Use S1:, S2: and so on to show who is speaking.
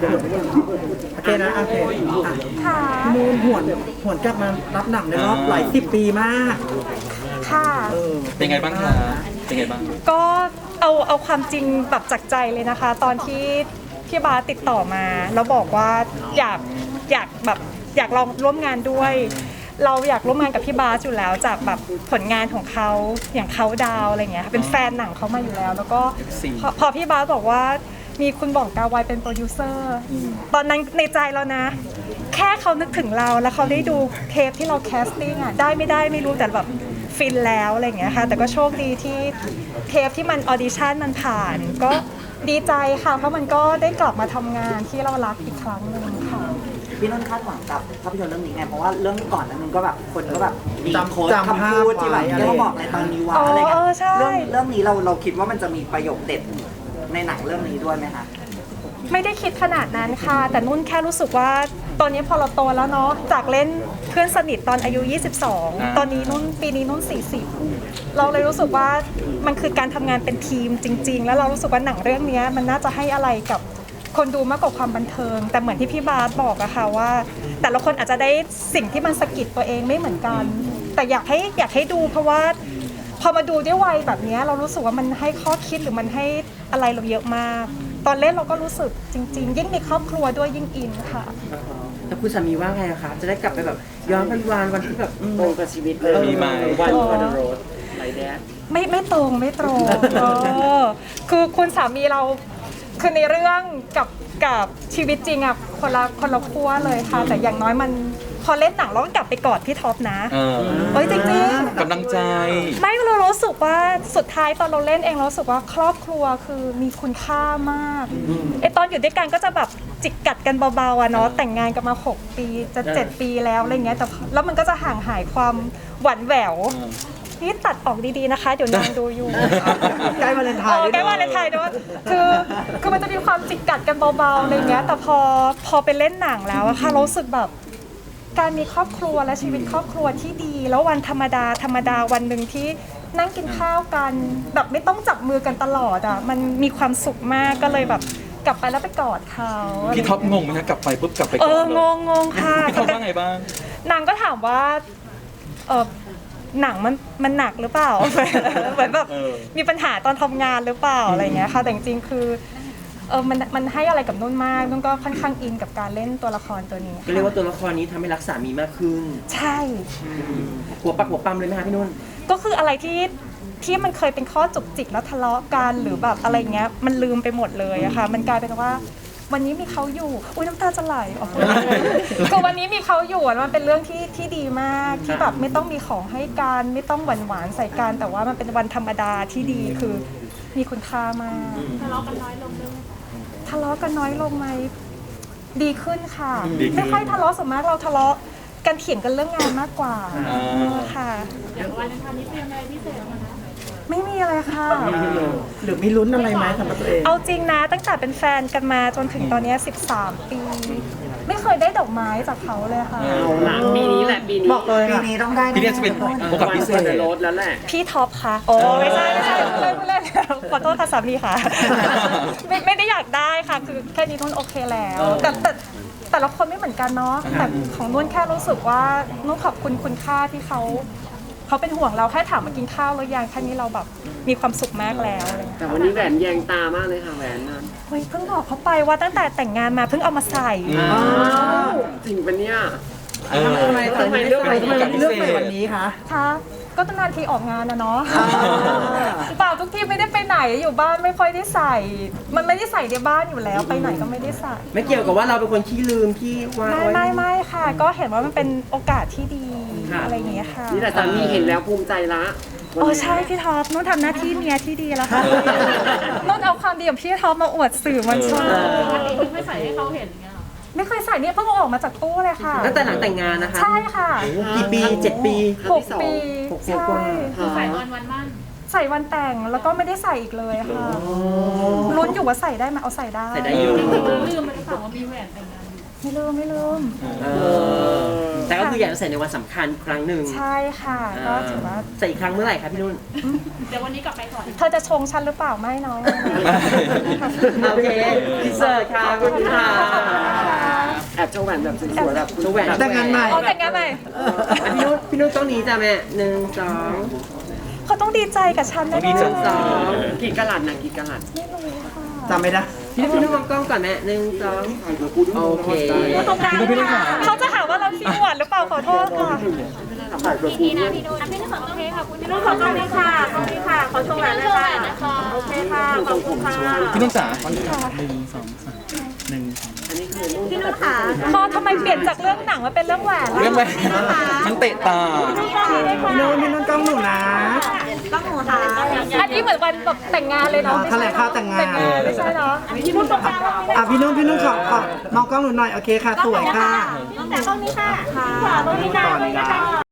S1: โอเคนะโอเค
S2: ค่ะ
S1: มูนหวนกลับมารับหนังในรอบหลาย10 ปีมาก
S2: ค่ะ
S3: เป็นไงบ้างคะเป็นไงบ้าง
S2: ก็เอาความจริงแบบจากใจเลยนะคะตอนที่พี่บาสติดต่อมาแล้วบอกว่าอยากแบบอยากลองร่วมงานด้วย เราอยากร่วมงานกับพี่บาสอยู่แล้วจากแบบผลงานของเขาอย่างเขาดาวอะไรเงี้ยเป็นแฟนหนังเขามาอยู่แล้วแล้วก็พอพี่บาสบอกว่ามีคุณบ่องกาไวเป็นโปรดิวเซอร์ตอนนั้นในใจเรานะแค่เขานึกถึงเราแล้วเขาได้ดูเทปที่เราแคสติ้งอ่ะได้ไม่รู้แต่แบบฟินแล้วอะไรอย่างเงี้ยค่ะแต่ก็โชคดีที่เทปที่มันออดิชั่นมันผ่านก็ดีใจค่ะเพราะมันก็ได้กลับมาทำงานที่เรารักอีกครั้งหนึ่งค่ะ
S4: พี่นุ่นคาดหวังกับภาพยนตร์เรื่องนี้ไงเพราะว่าเรื่องก่อนนั้นมันก็แบบคนก็แบบมี
S1: จำ
S4: โค้ด
S1: จำ
S4: คำพูดที่แบบ
S1: ภาพไว้
S4: เรียกว่าบอกในตอนนี้ว่าอะไรเงี้ยเรื่องนี้เราคิดว่ามันจะมีประโยคเด็ดในหนังเรื่องนี้ด้วยไหมคะ
S2: ไม่ได้คิดขนาดนั้นค่ะแต่นุ่นแค่รู้สึกว่าตอนนี้พอเราโตแล้วเนาะจากเล่นเพื่อนสนิทตอนอายุ22ตอนนี้นุ่นปีนี้นุ่น40เราเลยรู้สึกว่ามันคือการทำงานเป็นทีมจริงๆแล้วเรารู้สึกว่าหนังเรื่องนี้มันน่าจะให้อะไรกับคนดูมากกว่าความบันเทิงแต่เหมือนที่พี่บาสบอกอะค่ะว่าแต่ละคนอาจจะได้สิ่งที่มันสะกิดตัวเองไม่เหมือนกันแต่อยากให้ดูเพราะว่าพอมาดูด้วยวัยแบบนี้เรารู้สึกว่ามันให้ข้อคิดหรือมันให้อะไรเราเยอะมากตอนเล่นเราก็รู้สึกจริงๆยิ่งมีครอบครัวด้วยยิ่งอินค่ะ
S5: แล้วคุณสามีว่าไงคะจะได้กลับไปแบบย้อนวันที่แบบตรงกับชีวิตเลย
S3: มีไหม
S5: วันโรดไรแดด
S2: ไม่ตรงคือคุณสามีเราคือในเรื่องกับชีวิตจริงอะคนละขั้วเลยค่ะแต่อย่างน้อยมันพอเล่นหนังเราก็กลับไปกอดพี่ท็อปนะเฮ้ยจริงๆ
S3: กำลังใจ
S2: ไม่เรารู้สึกว่าสุดท้ายตอนเราเล่นเองเรารู้สึกว่าครอบครัวคือมีคุณค่ามากตอนอยู่ด้วยกันก็จะแบบจิกกัดกันเบาๆอะเนาะแต่งงานกันมา6 ปีจะ7 ปีแล้วอะไรเงี้ยแต่แล้วมันก็จะห่างหายความหวานแหววนี่ตัดออกดีๆนะคะเดี๋ยวนางดูอยู่
S1: ใกล้วาเลนไทน์
S2: ใกล้วาเลนไทน์ด้วยคือมันจะมีความจิกกัดกันเบาๆอะไรเงี้ยแต่พอไปเล่นหนังแล้วอะค่ะรู้สึกแบบการมีครอบครัวและชีวิตครอบครัวที่ดีแล้ววันธรรมดาวันหนึ่งที่นั่งกินข้าวกันแบบไม่ต้องจับมือกันตลอดอ่ะมันมีความสุขมากก็เลยแบบกลับไปแล้วไปกอดเขา
S3: พี่ท็อปงงไหมนะกลับไปปุ๊บกลับไปก่อน
S2: งงค่ะ
S3: พี่ท็อปว่าไงบ้าง
S2: นางก็ถามว่าหนังมันหนักหรือเปล่าเหมือนแบบมีปัญหาตอนทำงานหรือเปล่าอะไรเงี้ยค่ะแต่จริงๆคือมันให้อะไรกับนุ่นมากนุ่นก็ค่อนข้างอินกับการเล่นตัวละครตัวนี้
S5: ก็เรียกว่าตัวละครนี้ทำให้รักสามีมากขึ้น
S2: ใช่
S5: หัวปักหัวปั๊มเลยไหมคะพี่นุ่น
S2: ก็คืออะไรที่มันเคยเป็นข้อจุกจิกแล้วทะเลาะกันหรือแบบอะไรเงี้ยมันลืมไปหมดเลยอะค่ะมันกลายเป็นว่าวันนี้มีเขาอยู่อุ้ยน้ำตาจะไหลออกมาก็วันนี้มีเขาอยู่มันเป็นเรื่องที่ดีมากที่แบบไม่ต้องมีของให้กันไม่ต้องหวานใส่กันแต่ว่ามันเป็นวันธรรมดาที่ดีคือมีคุณค่ามากทะเลาะกันน้อยลงไหมดีขึ้นค่ะไม่ค่อยทะเลาะส่วนมากเราทะเลาะกันเถียงกันเรื่องงานมากกว่าค่ะ
S6: อย่างวันนี้เตรียมอะไรพิเศษมาคะ
S2: ไม่มีอะไรค่ะ
S1: หรือมีลุ้นอะไรไหมสำหรับตัวเอง
S2: เอาจริงนะตั้งแต่เป็นแฟนกันมาจนถึงตอนนี้13 ปีไม่เคยได้ดอกไม้จากเขาเลยค่ะ
S5: ปีนี้แหละปีนี้
S1: บอกเลย
S4: ปีนี้ต้องได้
S3: ปีนี้จะเป็นโอกาสพิเศษ
S5: รถแล้วแหละ
S2: พี่ท็อปค่ะโอ้ไม่ใช่เล่นขอโทษค่ะสามีค่ะไม่ได้อยากได้ค่ะคือแค่นี้นุ่นโอเคแล้วแต่ละคนไม่เหมือนกันเนาะแต่ของนุ่นแค่รู้สึกว่านุ่นขอบคุณค่าที่เขาเป็นห่วงเราแค่ถามมากินข้าวหรือยังแค่นี้เราแบบมีความสุขมากแล้ว
S5: แต่วันนี้แหวนแยงตามากเลยค่ะแหวนนั้น
S2: เฮ้ยเพิ่งบอกเขาไปว่าตั้งแต่แต่งงานมาเพิ่งเอามาใส่
S5: จริงปะเนี่ย
S1: ทำไมเลือกในวันนี้คะ
S2: ก็ตั้งนานทีออกงานนะเนาะเปล่าทุกทีไม่ได้ไปไหนอยู่บ้านไม่ค่อยได้ใส่มันไม่ได้ใส่ในบ้านอยู่แล้วไปไหนก็ไม่ได้ใส่
S5: ไม่เกี่ยวกับว่าเราเป็นคนขี้ลืมขี้ว่า
S2: ไม่ค่ะก็เห็นว่ามันเป็นโอกาสที่ดีอะไรอย่างเงี้ยค่ะ
S5: นี่แหละสามีเห็นแล้วภูมิใจละ
S2: ใช่พี่ท็อปนุ่นทำหน้าที่เมียที่ดีแล้วค่ะนุ่นเอาความดีของพี่ท็อปมาอวดสื่อมวลชน
S6: ไม่ใส่ให้เขาเห็นเงี้ย
S2: ไม่เคยใส่เนี่ยเพิ่งออกมาจากตู้เลยค่ะ
S5: ตั้งแต่หลังแต่งงานนะคะ
S2: ใช่ค่ะ
S5: กี่ปี7 ปี
S2: 6 ปี
S5: ใช่
S6: ใส่วันมั่น
S2: ใส่วันแต่งแล้วก็ไม่ได้ใส่อีกเลยค่ะลุ้นอยู่ว่าใส่ได้ไหมเอาใส่ได้
S5: อยู่
S6: ลืมไปหรือเปล่าว่ามีแหวนแต่งงาน
S2: ไม่ลืม
S5: แต่แต่ก็คืออยากจะใส่ในวันสำคัญครั้งหนึ่ง
S2: ใช่ค่ะก็ถือว่า
S5: ใส่อีกครั้งเมื่อไหร่คะพี่นุ่น
S6: เดี๋ยววันนี้กลับไปก่อน
S2: เธอจะชงฉันหรือเปล่าไม่เนาะ
S5: โอเคพิเศษค่ะขอบคุณค่ะ
S7: แอบโชว์แหวนแบบสวยๆแบบ
S5: ตัวแหวน
S1: แต่งงานใหม่
S2: อ๋อแต่งงานใหม่
S5: พี่นุ่นต้องนี้จ้ะแม่1
S2: เขาต้องดีใจกับฉัน
S3: ต้
S2: แน่
S3: องดีใจ
S2: ๆ
S5: 2
S7: กี่กะลัดนะกี่กะลัด
S1: จำไม่ได้
S5: พี่นุ่นมองกล้องก่อนแม่1 2โอเค
S3: พี่นุ่นค่ะ
S2: เขาจะหาว่าเราขี้หวานหรือเปล่าขอโทษค่ะ
S6: พี่นะพี่นุ่นพี่นุ่นขอโอเคค่ะคุณพี่นุ่นขอโอเคค่ะโอเคค่ะขอโชว์แหวนเลยค่ะโอเคค่ะขอบคุณค่ะ
S3: พี่นุ่นจ๋า
S2: พี่นุ่นค่ะพอทำไมเปลี่ยนจากเรื่องหนังมาเป็นเรื่องแหวนล่ะ
S3: เรื่องอะไรมันเตะตา
S1: พี่นุ่นกล้องหนูนะ
S2: อันนี้เหมือนวันแบบแต่งงานเลยเนาะ
S1: แถลงข่าวแต่งงาน
S2: ไม่ใช่เนาะพี่นุ่นตรงกลาง
S1: พี่นุ่นขอมองกล้องหนูหน่อยโอเคค่ะสวยค่ะ
S2: แต่ตรงนี้ค่ะค่ะตรงนี้ค่ะ